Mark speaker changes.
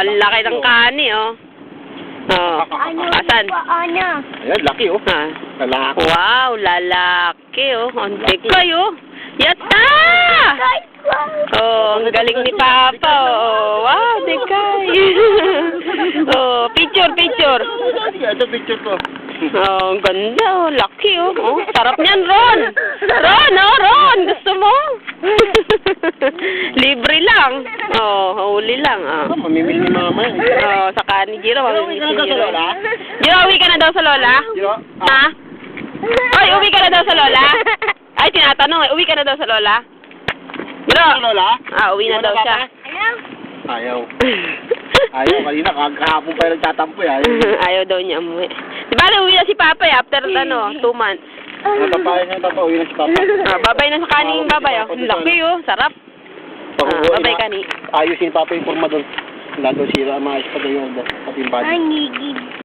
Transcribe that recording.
Speaker 1: ang laki ng kani, oh. Oh, asan?
Speaker 2: Ayan, laki oh.
Speaker 1: Ah.
Speaker 2: Lalaki.
Speaker 1: Wow, lalaki, oh. Ang dekay, oh. Yata! Oh, ang galing ni Papa, oh. Wow, dekay. Oh, picture.
Speaker 2: Ito picture ko.
Speaker 1: Oh, ang ganda, oh. Laki, oh. Oh, sarap niyan, Ron. Ron. Gusto mo? Libre lang. Oh, huli lang, ah.
Speaker 2: Mamimili ni mama eh.
Speaker 1: Oh, sa kani, Jiro.
Speaker 2: Uwi ka na daw sa lola?
Speaker 1: Jiro, uwi ka na daw sa lola?
Speaker 2: Jiro?
Speaker 1: Ha? Oy, uwi ka na daw sa lola? Ay, tinatanong, uwi ka na daw sa lola? Jiro?
Speaker 2: Sa lola?
Speaker 1: Ah, uwi na daw siya.
Speaker 2: Ayaw. Ayaw, kanina kahapon pa yung nagtatampo eh.
Speaker 1: Ayaw daw niya umuwi. Bale, uwi na si Papa eh, after 2 months.
Speaker 2: Natapayan niya tapa, uwi na si Papa.
Speaker 1: Ah, babay na sa kaning babay, oh. Laki, oh. Sarap. Babay kani.
Speaker 2: Ayusin ni Papa yung forma doon. Wala daw sira, maayos pa daw yung pati yung body.